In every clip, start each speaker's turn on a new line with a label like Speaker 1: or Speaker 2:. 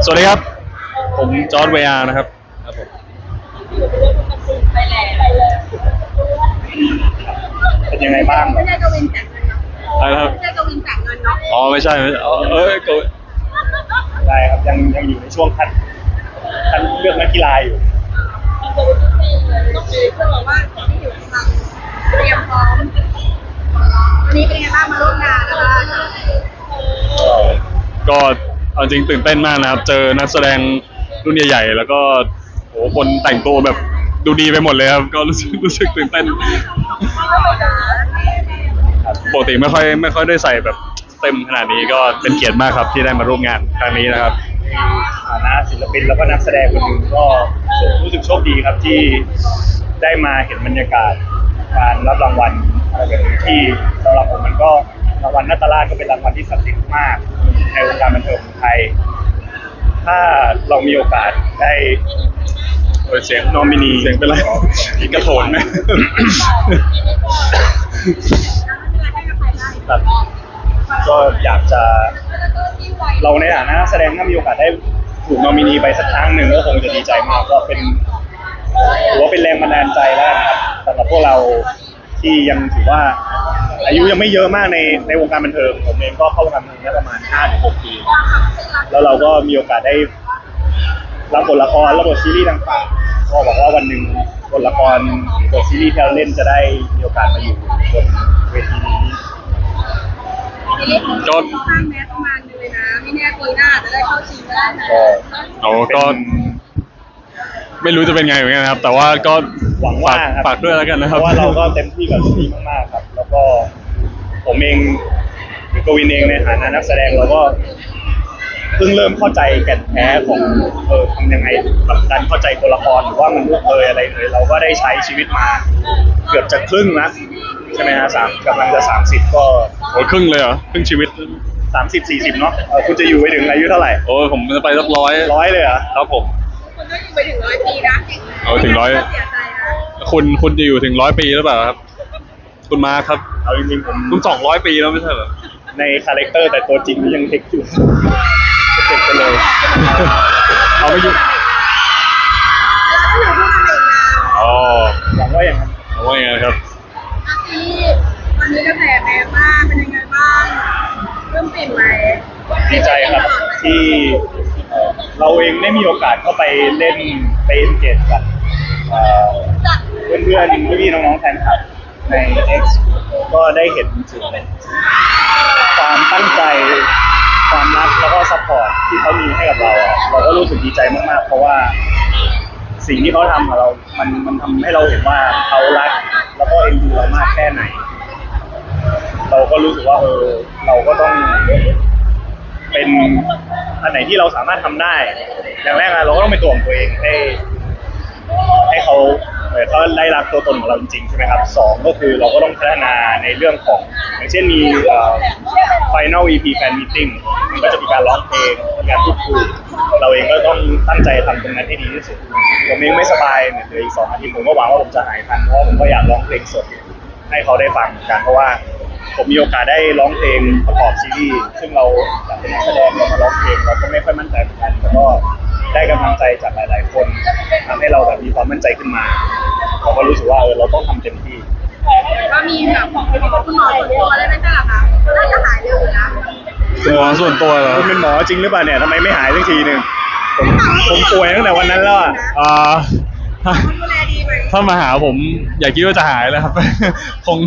Speaker 1: สวัสดีครับผมจอร์จเวียร์นะครับผม
Speaker 2: เป็นยังไงบ้าง
Speaker 3: ไม่ใช่กวินแจกเงินเนาะ
Speaker 1: อะไรนะครับ
Speaker 3: ไม่ใช่กวินแจกเงินเนาะ
Speaker 1: อ๋อไม่ใช่ก็
Speaker 2: ได้ครับยังอยู่ในช่วงคัดเลือกนักกีฬาอยู่
Speaker 3: ต้องมีเพื่อบอกว่าที่อยู่กำลังเตรียมพร้อมวันนี้เป็นยังไงบ้างมาร่วมงานนะคะ
Speaker 1: ก็เอาจริงตื่นเต้นมากนะครับเจอนักแสดงรุ่นใหญ่ๆแล้วก็โหคนแต่งตัวแบบดูดีไปหมดเลยครับก็รู้สึกตื่นเต้นปกติไม่ค่อยได้ใส่แบบเต็มขนาดนี้ก็เป็นเกียรติมากครับที่ได้มาร่วมงานครั้งนี้นะครับ
Speaker 2: ฐานะศิลปินแล้วก็นักแสดงคนหนึ่งก็รู้สึกโชคดีครับที่ได้มาเห็นบรรยากาศการรับรางวัลอะไรแบบนี้ที่สำหรับผมมันก็รางวัลนาตราชก็เป็นรางวัลที่ศักดิ์สิทธิ์มากในวงการบันเทิงของไทยถ้าเรามีโอกาสได้
Speaker 1: เสียง
Speaker 2: นอมินี
Speaker 1: เสียงเป็นไรอีกกระโถนไหม
Speaker 2: แบบก็อยากจะเราในฐานะแสดงถ้ามีโอกาสได้ถูกนอมินีไปสักครั้งหนึ่งก็คงจะดีใจมากก็เป็นถือว่าเป็นแรงบันดาลใจแล้วนะครับสำหรับพวกเราที่ยังถือว่าอายุยังไม่เยอะมากในวงการบันเทิงผมเองก็เข้าทำงานได้ประมาณ 5-6 ปีแล้วเราก็มีโอกาสได้รับบทละครรับบทซีรีส์ต่างๆก็บอกว่าวันหนึ่งบทละครบทซีรีส์ที่เราเล่นจะได้มีโอกาสมาอยู่บนเวทีนี้
Speaker 3: จนข้างแม้ประมาณนึงเลยนะไม่แน่ปีหน้าจะได้เข้าชิงก็ได้นะ
Speaker 1: ก็ไม่รู้จะเป็นไงเหมือนกันครับแต่ว่าก็
Speaker 2: หวังว่า
Speaker 1: ฝากด้วยแล้วกันนะครับ
Speaker 2: เพราะว่าเราก็เต็มที่กับที่มากๆครับแล้วก็ผมเองหรือกวินเองในฐานะนักแสดงเราก็เพิ่งเริ่มเข้าใจแก่นแท้ของทำยังไงกับการเข้าใจตัวละครหรือว่ามันอะไรเราก็ได้ใช้ชีวิตมาเกือบจะครึ่งนะใช่ไหมฮะกำลังจะ30ก็
Speaker 1: โอ้ครึ่งเลยเหรอครึ่งชีวิต
Speaker 2: 30-40เนาะคุณจะอยู่ไปถึงอายุเท่าไหร่
Speaker 1: โอ้ผมจะไปสัก100
Speaker 2: เลยเหรอ
Speaker 1: ครับผม
Speaker 3: คุณต้องอยู่ไปถึง100 ปีนะ
Speaker 1: ถึง100
Speaker 3: เสียใจนะ
Speaker 1: คุณจะอยู่ถึง100 ปีหรือเปล่าครับคุณมาครับ
Speaker 2: เอาจริงๆผม
Speaker 1: คุณ200 ปีแล้วไม่ใช่เหรอ
Speaker 2: ในคาแรคเตอร์แต่ตัวจริงยังเด็กอยู่เด็กไปเลย
Speaker 1: เอาไม่อยู่
Speaker 3: แล้วก็อยู่พวกมันเองนะ
Speaker 1: อ๋อ
Speaker 2: หวังว่าอย่างนั้น
Speaker 1: หวังว่าอย่างนั้นครับ
Speaker 3: วันนี้กระแสแรงมากเป็นยังไงบ้างเริ่มปิ่นไหม
Speaker 2: ดีใจครับที่เราเองได้มีโอกาสเข้าไปเล่นไปเอนเกจกับเพื่อนๆพี่ๆน้องๆแฟนคลับใน X ก็ได้เห็นถึงความตั้งใจความรักแล้วก็ซัพพอร์ตที่เขามีให้กับเราเราก็รู้สึกดีใจมากๆเพราะว่าสิ่งที่เขาทำกับเรามันทำให้เราเห็นว่าเขารักแล้วก็เอ็นดูเรามากแค่ไหนเราก็รู้สึกว่าเราก็ต้องเป็นอันไหนที่เราสามารถทำได้อย่างแรกเราก็ต้องเป็นตัวของตัวเองให้เขาได้รักตัวตนของเราจริงๆใช่ไหมครับ2ก็คือเราก็ต้องพัฒนาในเรื่องของอย่างเช่นมีFinal EP Fan Meeting มันก็จะมีการร้องเพลงมีการพูดคุยเราเองก็ต้องตั้งใจทำตรงนั้นให้ดีที่สุดผมเองไม่สบายเหลืออีก2 อาทิตย์ผมก็หวังว่าผมจะหายทันเพราะผมก็อยากร้องเพลงสดให้เขาได้ฟังกันเพราะว่าผมมีโอกาสได้ร้องเพลงประกอบซีรีส์ซึ่งเราอยากเป็นนักแสดงเรามาร้องเพลงเราก็ไม่ค่อยมั่นใจเหมือนกันแต่ก็ได้กำลังใจจากหลายๆคนทำให้เราแบบมีความมั่นใจขึ้นมาเราก็รู้สึกว่าเราต้องทำเต็มที่
Speaker 3: ก็มีแบบของคุณหมอส่วนตัวได้ไหมจ๊ะคะน่าจะหายเร็วอยู่นะ
Speaker 1: หมอส่วนตัวเหรอ
Speaker 2: คุณเป็นหมอจริงหรือเปล่าเนี่ยทำไมไม่หายสักทีนึงผมป่วยตั้งแต่วันนั้นแล้ว
Speaker 3: ดูแลดีไหม
Speaker 1: ถ้ามาหาผมอย่าคิดว่าจะหายแล้วครับคง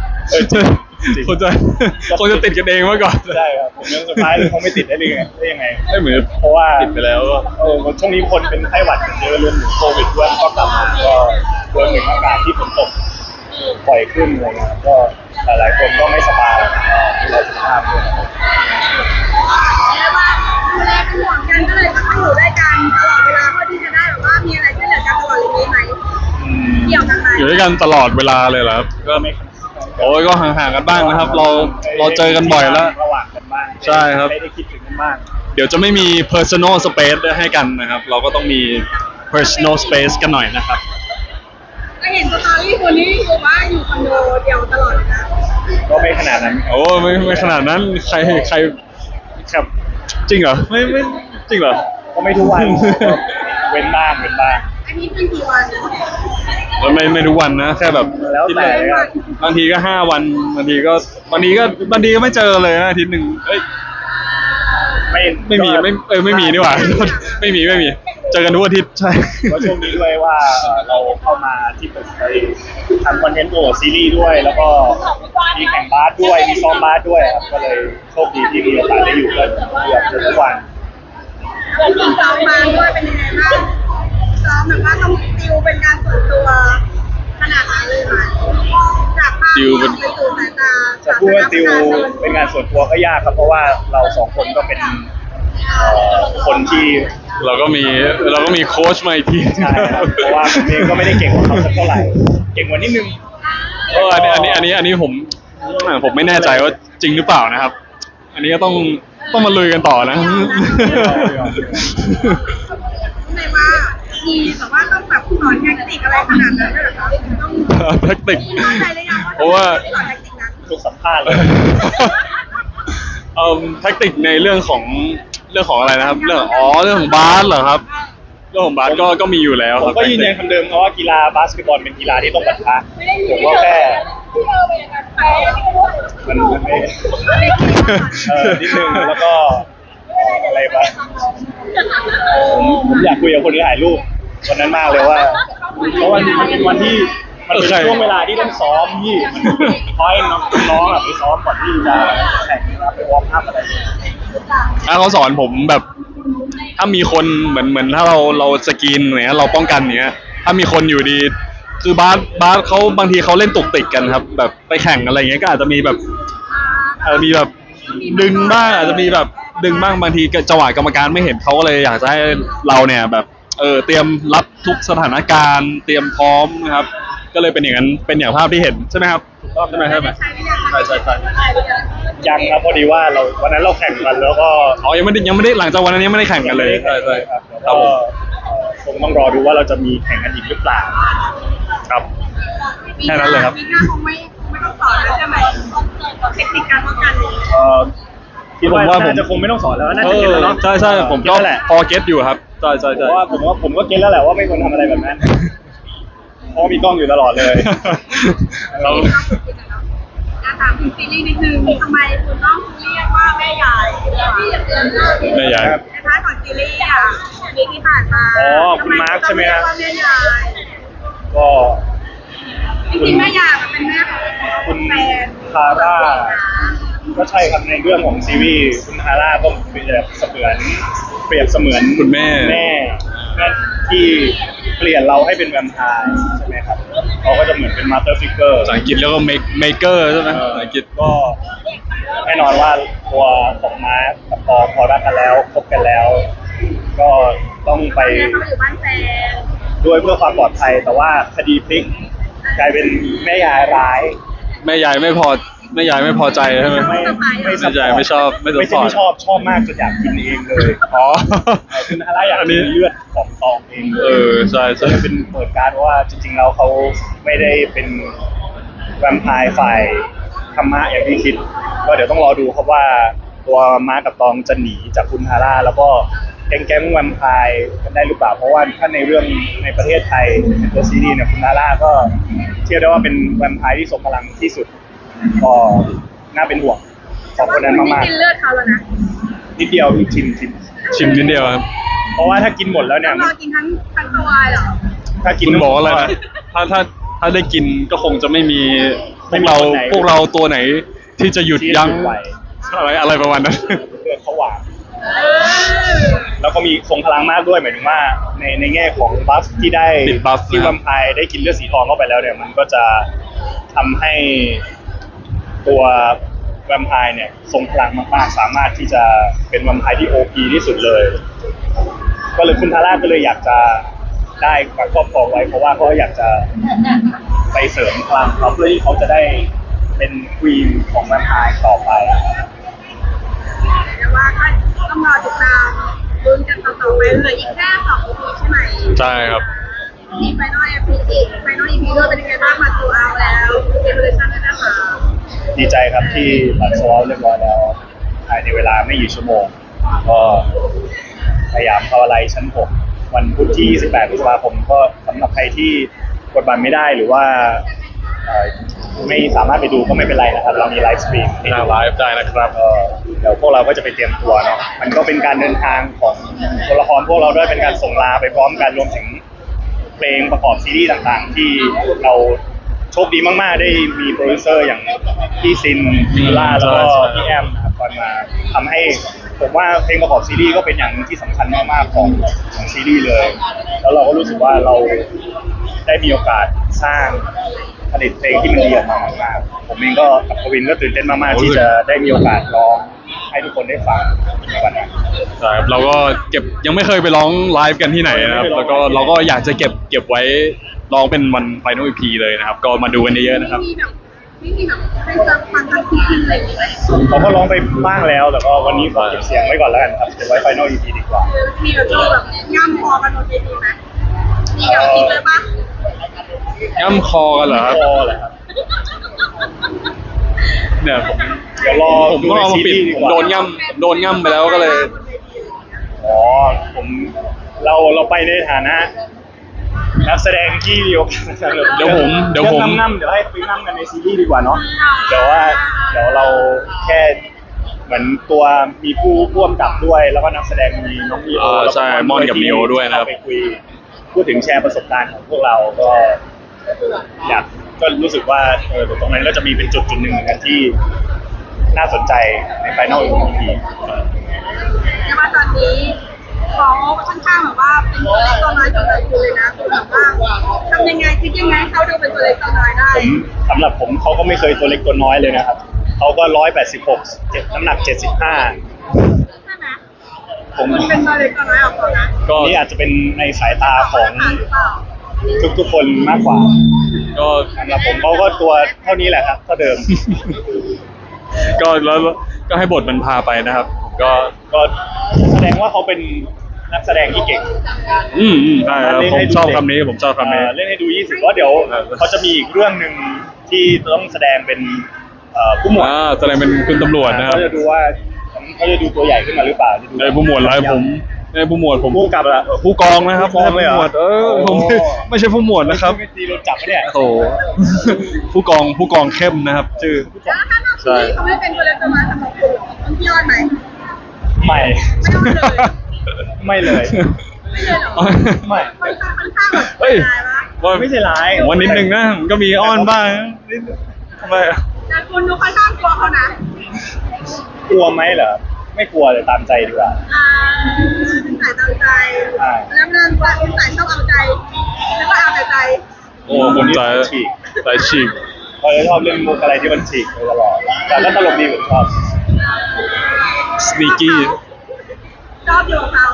Speaker 1: จะติดกันเองเมื่อก่อน
Speaker 2: ใช่ครับผมยังสุดท้ายเลยคงไม่ติดได้ยังไง
Speaker 1: ไม่เหมือน
Speaker 2: เพราะว่า
Speaker 1: ติดไปแล้ว
Speaker 2: ช่วงนี้คนเป็นไข้หวัดเยอะรวมถึงโควิดด้วยก็กลับมาก็รวมถึงอากาศที่ฝนตกบ่อยขึ้นอะไรเงี้ยก็หลายๆคนก็ไม่สบายดูแลสุขภาพด้วย
Speaker 3: แล้วว่าดูแลเป็นห่วงกันก็เลยต้องอยู่ด้วยกันตลอดเวลาเพื่อที่จะได้แบบว่ามีอะไรช่วยเหลือกันตลอดเลยไหมเกี่ยวกันไหม
Speaker 1: อยู่ด้วยกันตลอดเวลาเลยเหรอครับก็ไม่โอ้ยก็ห่างๆกันบ้างนะครับเราเจอกันบ่อยแล้วใช่ครับ
Speaker 2: ไม่ได้คิดถึงกันบ้าง
Speaker 1: เดี๋ยวจะไม่มี personal space ให้กันนะครับเราก็ต้องมี personal space กันหน่อยนะครับ
Speaker 3: ก็เห็นสตอรี่คนนี้คือว่าอยู่คอนโดเดียวตลอดเลยนะ
Speaker 2: ก็ไม่ขนาดนั้น
Speaker 1: โอ้ไม่ขนาดนั้นใครครับจริงเหรอไม่จริงเหรอ
Speaker 2: ก็ไม่ทุกวันก็เว้นบ้าง
Speaker 3: อันนี้เป็นกี่วัน
Speaker 1: แล้วไม่ทุกวันนะแค่แบบ
Speaker 2: แล้วแต่ครับ
Speaker 1: บางทีก็5 วันบางทีก็ไม่เจอเลยนะอาทิตย์หนึ่งเอ้ยไม่มีนี่หว่า ไม่มีเจอกันทุกอาทิตย์ใช่
Speaker 2: ก็ช่วงนี้ด้วยว่าเราเข้ามาที่ตึกไปทำคอนเทนต์โปรโมทซีรีส์ด้วย แล้วก็มีแข่งบาสด้วยมีซ้อมบาสด้วยครับก็เลยโชคดีที่มีโอกาสได้อยู่กันเกือบจะทุกวัน
Speaker 3: ซ้อมมาด้วยเป็นยังไงบ้างซ้อมแบบว่าต้องติวเป็นการส่วนตัวขนาดนั้นเลยไหมจากภาพ
Speaker 1: ติวเป็น
Speaker 3: ไปสู่สายตา
Speaker 2: จะพูดว่าติวเป็นงานส่วนตัวก็ยากครับเพราะว่าเราสองคนก็เป็นคนที่
Speaker 1: เราก็มีโค้ชมาอีกที
Speaker 2: ใช่ครับเพราะว่าผมเองก็ไม่ได้เก่งกว่าเขาสักเท่าไหร่เก่งกว่านิดนึง
Speaker 1: อันนี้ผมไม่แน่ใจว่าจริงหรือเปล่านะครับ อันนี้ก็ต้องมาลุยกันต่อนะ
Speaker 3: ไม่ว่ามีแบบว่าต้องแบบสอนเทคนิคอะไรขนาดนั้นเลยเหรอคะต้อง
Speaker 1: แท็กติก
Speaker 3: เข้าใจหรือยัง
Speaker 1: เพราะว่า
Speaker 3: สอนเทคนิคนั้น
Speaker 2: ทุกสัมภาษณ์เลย
Speaker 1: แท็กติกในเรื่องของอะไรนะครับ เรื่องของบาสเหรอครับ เรื่องของบาสก็มีอยู่แล้ว
Speaker 2: ผ
Speaker 1: ค
Speaker 2: ม
Speaker 1: รับ
Speaker 2: ก็ยืนยันคำเดิมครับว่ากีฬาบาสเกตบอลเป็นกีฬาที่ต้องปะทะผมก็แค่มันไม่นิดนึงแล้วก็อะไรบ้างผมอยากคุยกับคนที่ถ่ายรูปวันนั้นมากเลยว่าเพราะวันนี้มันเป็นวันที่มันเป็นช่วงเวลาที่ต้องซ้อมที่คอยน้องๆไปซ้อมก่อนที่จะแข่งนะครับไปวอร์มอัพอะไรอย่างเงี้ย
Speaker 1: เขาสอนผมแบบ ถ้ามีคนเหมือนถ้าเราสกรีนอย่างเงี้ยเราป้องกันอย่างเงี้ย ถ้ามีคนอยู่ดี คือบาสเขาบางทีเขาเล่นตุกติกกันครับ แบบไปแข่งอะไรเงี้ยก็อาจจะมีแบบดึงบ้างอาจจะมีแบบดึงบ้างบางทีจังหวะกรรมการไม่เห็นเขาก็เลยอยากจะให้เราเนี่ยแบบเตรียมรับทุกสถานการณ์เตรียมพร้อมนะครับ ก็เลยเป็นอย่างนั้นเป็นอย่างภาพที่เห็นใช่ไหมครับถูกต้องใช่ไหมครับใช่
Speaker 2: ยังครับพอดีว่าวันนั้นเราแข่งกันแล้วก็
Speaker 1: ยังไม่ได้หลังจากวันนั้นยังไม่ได้แข่งกันเลยใช่
Speaker 2: ครับ
Speaker 1: ครับ
Speaker 2: ก็คงต้องรอดูว่าเราจะมีแข่งกันอีกหรือเปล่า
Speaker 1: ครับ แค่นั้นเลยครับ
Speaker 3: มีหน้าคงไม่ต้องสอนแล้วใช่ไหมเทคนิคการป้องกันนี้
Speaker 2: คิดว่าน่าจะคงไม่ต้องสอนแล้วน่าจะเก็ตแล้วเนาะ
Speaker 1: ใช่ผมก็
Speaker 2: แหละ
Speaker 1: พอเก็ตอยู่ครับใช่
Speaker 2: เพราะว่าผมก็เก็ตแล้วแหละว่าไม่ควรทำอะไรแบบนั้นเพราะมีกล้องอยู่ตลอดเลย
Speaker 1: เรา
Speaker 3: ถามถึงซีรีส์นิดนึงทำไมคุณต้องเรียกว่าแม่ใหญ่ที่อย่างเดิม
Speaker 1: แม่ใหญ่
Speaker 3: ในท้ายของซีรีส์อ่ะมีที่ผ่านมา
Speaker 2: อ๋อคุณมาร์คใช่ไหมครับ
Speaker 3: ทำไมคุณต้องเรียกว่าแม่ใหญ่
Speaker 2: ก็
Speaker 3: จริงๆแม่ใหญ่มันเป็นแม่ของ
Speaker 2: คุณ
Speaker 3: แฟน
Speaker 2: คาร่าก็ใช่ครับในเรื่องของซีรีส์คุณฮาร่าก็เปรียบเสมือน
Speaker 1: คุณแม่
Speaker 2: ที่เปลี่ยนเราให้เป็นแวมไพร์ใช่ไหมครับเขาก็จะเหมือนเป็นมาสเตอร์ฟิกเกอร์
Speaker 1: ภาษาอังกฤษแล้วก็ maker ใช่ไหมภาษาอังกฤษ
Speaker 2: ก็แน่นอนว่าตัวของมาร์คกับปอพอรักกันแล้วคบกันแล้ว ก็ต้องไป
Speaker 3: เขาอยู่บ้านแฟน
Speaker 2: ด้วยเพื่อความปลอดภัย แต่ว่าคดีพลิกกลายเป็นแม่ยายร้าย
Speaker 1: แม่ยายไม่พอใจใช่ไหม
Speaker 2: ไม่
Speaker 1: แม่ยายไม่ชอบไม่สปอร์ต
Speaker 2: ไม่ใช่ไม่ชอบมากจนอยากกินเองเลย
Speaker 1: อ๋อ
Speaker 2: คุณฮาร่าอยากกินเลือดของตองเองเลย
Speaker 1: ใช่
Speaker 2: จะเป็นเปิดการ์ดว่าจริงๆแล้วเขาไม่ได้เป็นแวมไพร์ฝ่ายธรรมะอย่างที่คิดก็เดี๋ยวต้องรอดูครับว่าตัวม้ากับตองจะหนีจากคุณฮาร่าแล้วก็แก๊งแวมไพร์กันได้หรือเปล่าเพราะว่าถ้าในเรื่องในประเทศไทยในตัวซีรีส์เนี่ยคุณฮาร่าก็เชื่อได้ว่าเป็นแวมไพร์ที่ทรงพลังที่สุดก็น่าเป็นห่วงสองคนนั้นมาก
Speaker 3: กินเลือดเขาแล้วนะ
Speaker 2: ๆนิดเดียวชิม
Speaker 1: ชิมนิดเดียวครับ
Speaker 2: เพราะว่าถ้ากินหมดแล้วเนี่
Speaker 3: ต้
Speaker 2: ย
Speaker 3: องรอกินทั้งตัวเหรอ
Speaker 2: ถ้ากิน
Speaker 1: คุณบอกอะไรนะถ้าได้กินก็คงจะไม่มีพวกเราตัวไหนที่จะหยุดยั้ง
Speaker 2: ไหว
Speaker 1: อะไรประมาณนั้น
Speaker 2: เลือดเขาหวานแล้วก็มีทรงพลังมากด้วยหมายถึงว่าในแง่ของบัฟที่ได้
Speaker 1: ติดบัฟ
Speaker 2: ที่แวมไพร์ได้กินเลือดสีทองเข้าไปแล้วเนี่ยมันก็จะทำให้ตัวแวมไพร์เนี่ยทรงพลังมากๆสามารถที่จะเป็นแวมไพร์ที่โอพีที่สุดเลย ก็เลยคุณทาร่าก็เลยอยากจะได้มาครอบครองไว้เพราะว่าเขาอยากจะไปเสริมพลังเขาเพื่อที่เขาจะได้เป็นควีนของแวมไพร์ต่อไป
Speaker 3: แต่ว่าก็ต้องรอติดตามลุ้นกันต่อๆไปเหลืออีกแค่2 EP ใช่ไหม
Speaker 1: ใช่ครับ
Speaker 3: มีไฟนอล EP ไฟนอล EP ด้วยเป็นยังไงบ้างมาตัวเอาแล้วเอเวอเรชั่นด้วยนะคะ
Speaker 2: ดีใจครับที่บัตรโซลเรียบร้อยแล้วภายในเวลาไม่กี่ชั่วโมงก็สยามพาวาไลชั้น 6 วันพุธที่ 28 พฤษภาคมก็สำหรับใครที่กดบัตรไม่ได้หรือว่าไม่สามารถไปดูก็ไม่เป็นไรนะครับ เรามีไลฟ์สตรีม
Speaker 1: หน้าไลฟ์ได้นะครับ
Speaker 2: เดี๋ยวพวกเราก็จะไปเตรียมตัวเนาะมันก็เป็นการเดินทางของตัวละครพวกเราด้วยเป็นการส่งลาไปพร้อมกันรวมถึงเพลงประกอบซีรีส์ต่างๆ ที่เราโชคดีมากๆได้มีโปรดิวเซอร์อย่างพี่ซินพิมล่าแล้วก็พี่แอมนะครับคอยมาทำให้ผมว่าเพลงประกอบซีรีส์ก็เป็นอย่างหนึ่งที่สำคัญมากๆของซีรีส์เลย แล้วเราก็รู้สึกว่าเราได้มีโอกาสสร้างผลิตเพลงที่มันดีออกมามากๆผมเองก็กับกวินก็ตื่นเต้นมากๆที่จะได้มีโอกาสร้องให้ทุกคนได้ฟังในวันนั้น
Speaker 1: ใช่ครับเราก็ยังไม่เคยไปร้องไลฟ์กันที่ไหนนะครับ แล้วก็เราก็อยากจะเก็บไว้ร้องเป็นวันไฟนอล EP เลยนะครับ ก็มาดูกันเยอะๆนะครับ
Speaker 3: มีแบบให้จะฟังกันจริงๆอะไรอย่างเงี้ย
Speaker 2: เขาก็ร้องไปบ้างแล้วแต่ก็วันนี้ขอเก็บเสียงไว้ก่อนแล้วกันครับเก็บไว้ไฟนอล EP ดีกว่า
Speaker 3: มีแบบย่ำคอกันบนเวทีไหมมีแบบคิดเลยปะ
Speaker 1: ย่ำคอกันเหรอครับ
Speaker 2: พอแหละครับ
Speaker 1: เนี่ยผม
Speaker 2: เดี๋ยวรอ
Speaker 1: ผม
Speaker 2: ดู
Speaker 1: ก็
Speaker 2: ใน
Speaker 1: เอามา
Speaker 2: ซี
Speaker 1: ปิด
Speaker 2: รีส์ดี
Speaker 1: ผม
Speaker 2: กว่า
Speaker 1: โดนย่ำไปแล้วก็เลย
Speaker 2: อ๋อเราไปในฐานะนักแสดงที่มีโอกาส
Speaker 1: เดี๋ยวผม
Speaker 2: เดี๋ยวให้ไปนั่งกันในซีรีส์ดีกว่าเนาะเดี๋ยวเราแค่เหมือนตัวมีผู้ร่วมกับด้วย แล้วก็นักแสดงมีน้องมีโอ
Speaker 1: ใช่ม่อนกับมีโอด้วยนะครับ
Speaker 2: ไปคุยพูดถึงแชร์ประสบการณ์ของพวกเราก็ก็รู้สึกว่าตรงนั้นก็จะมีเป็นจุดหนึ่งเหมือนกันที่น่าสนใจในไฟนอล EP
Speaker 3: แต่ว่าตอนนี้เขาค่อนข้างแบบว่าเป็นตัวเล็กตัวน้อยตัวใหญ่อยู่เลยนะคือแบบว่าทำยังไงคิดยังไงเขาดูเป็นตัวเล็กตัวน้อยได้
Speaker 2: สำหรับผมเขาก็ไม่เคยตัวเล็กตัวน้อยเลยนะครับเขาก็186น้ำหนัก75
Speaker 3: ใช่ไหม
Speaker 2: ผม
Speaker 3: คุณเป็นตัวเล็กตัวน้อยออกก่อนนะ
Speaker 1: ก็
Speaker 2: นี่อาจจะเป็นในสายตาของ
Speaker 3: หรือเปล่า
Speaker 2: ทุกๆคนมากกว่า
Speaker 1: ก็
Speaker 2: สำหรับผมเขาก็ตัวเท่านี้แหละครับเท่าเดิม
Speaker 1: ก็แล้วก็ให้บทมันพาไปนะครับ
Speaker 2: ก็แสดงว่าเขาเป็นนักแสดงที่เก่ง
Speaker 1: ใช่ครับผมชอบคำนี้ผมชอบคำนี้
Speaker 2: เล่นให้ดู20เพราะเดี๋ยวเขาจะมีอีกเรื่องหนึ่งที่ต้องแสดงเป็นผู้หมวด
Speaker 1: แสดงเป็นคุณตำรวจนะครับ
Speaker 2: เขาจะดูว่าเขาจะดูตัวใหญ่ขึ้นมาหรือเปล่าจะดู
Speaker 1: ในผู้หมวดอะไรผมในผู้หมวดผม
Speaker 2: ผู้กำกับอะ
Speaker 1: ผู้กองนะครับ
Speaker 2: ผู้กองเลยเหรอ
Speaker 1: ผู้หมวดผม
Speaker 2: โอ้
Speaker 1: ไม่ใช่ผู้หมวดนะครับ
Speaker 2: ไม่ตีโดนจับปะเนี่ย
Speaker 1: โอ้โหผู้กองเข้มนะครับชื่อ
Speaker 3: แล้วถ้านอกจากนี้เขาไม่เป็นตัวเล็กตัวน้อยสำหรับคุณต้องยอดไหม
Speaker 2: ไม่
Speaker 3: ไม่ยอดเลย
Speaker 2: ไม่เลย
Speaker 3: ไม่เลยเหรอ
Speaker 2: ไม่
Speaker 3: ค่อนข้างแบบ
Speaker 1: เฮ้ย
Speaker 3: ตายละ
Speaker 1: ว่า
Speaker 2: ไม่ใช่ร้าย
Speaker 1: วันนิดนึงนะมันก็มีอ้อนบ้างนิดนึงทำไมอะ
Speaker 3: แต่คุณดูค่อนข้างกลัวเขานะ
Speaker 2: กลัวไหมเหรอไม่กลัวเลยตามใจดีกว่า
Speaker 3: เป็นสายตามใจ
Speaker 2: ใช่
Speaker 3: แล้วมันว่าเป็นสายชอบเอาใจ แล้วก็เอาแต่ใจ
Speaker 1: โอ้ผมใจฉีก
Speaker 2: เขาจะชอบเล่นมุกอะไรที่มันฉีกไปตลอดแต่ก็ตลกดีผมชอบ
Speaker 1: สนีกี้
Speaker 3: ชอบอยู่กับเขา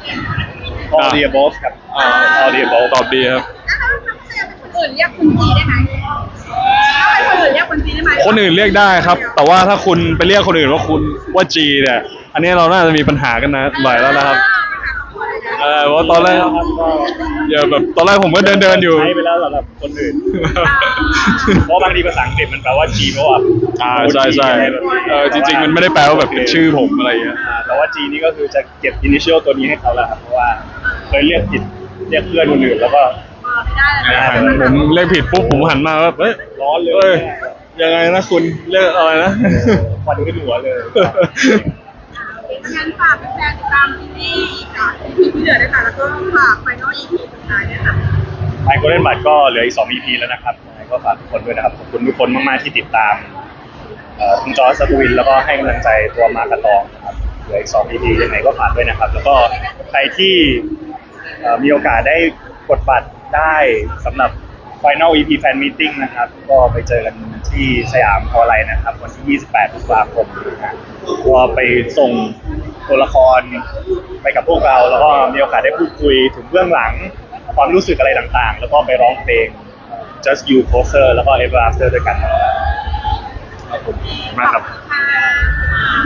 Speaker 2: all the above ครับ all the above
Speaker 1: ตอบดีครับ
Speaker 3: แล้วถ้าเป็นคนอื่นเรียกคุณจีได้ไหมถ้าเป็นคนอื่นเรียกคุณจีได้ไหม
Speaker 1: คนอื่นเรียกได้ครับ แต่ว่าถ้าคุณไปเรียกคนอื่นว่าจีเนี่ย อันนี้เราน่าจะมีปัญหากันนะหน่อยแล้วนะครับเพราะตอนแรกอย่าแบบตอนแรกผมก็เดินอยู่
Speaker 2: ใช้ไปแล้วสำหรับคนอื่น เพราะบางทีภาษาอังกฤษมันแปลว่า G เพราะว่า
Speaker 1: ใช่จริงๆมันไม่ได้แปลว่าแบบเป็นชื่อผมอะไรเงี้ย
Speaker 2: แต่ว่า G นี่ก็คือจะเก็บ initial ตัวนี้ให้เขาแล้วครับเพราะว่าเคยเรียกผิดเรียกเพื่อนคนอื่นแล้วก็
Speaker 3: ไม่ได้เลย
Speaker 1: ผมเรียกผิดปุ๊บผมหันมาว่าเฮ้ย
Speaker 2: ร้อนเล
Speaker 1: เอ้
Speaker 2: ย
Speaker 1: ยยังไงนะคุณเรียกอะไรนะ
Speaker 2: ควันขึ้นหัวเลย
Speaker 3: งั้นฝากแฟนๆติดตามที่นี่ก่อนที่เหลือด้วยค่ะแล้วก็ฝากไฟนอล EP สุดท้ายด้วยค่ะ
Speaker 2: ไมโครเล่นบัตรก็เหลืออีก2 EP แล้วนะครับยังไงก็ฝากทุกคนด้วยนะครับขอบคุณทุกคนมากๆที่ติดตามคุณจอร์จ สตูวินแล้วก็ให้กำลังใจตัวมาร์คกระตองนะครับเหลืออีก2 EP ยังไงก็ฝากด้วยนะครับ แล้วก็ใครที่มีโอกาสได้กดบัตรได้สำหรับ Final EP Fan Meeting นะครับ ก็ไปเจอกันที่สยามพอไลน์นะครับวันที่ 28 พฤษภาคมนะก็ไปส่งตัวละครไปกับพวกเรา แล้วก็มีโอกาสได้พูดคุยถึงเบื้องหลังความรู้สึกอะไรต่างๆ แล้วก็ไปร้องเพลง Just You Closer แล้วก็ Ever After ด้วยกันครับผมมากครับ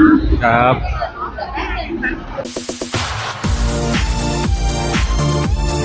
Speaker 1: ครับ
Speaker 3: ค่ะ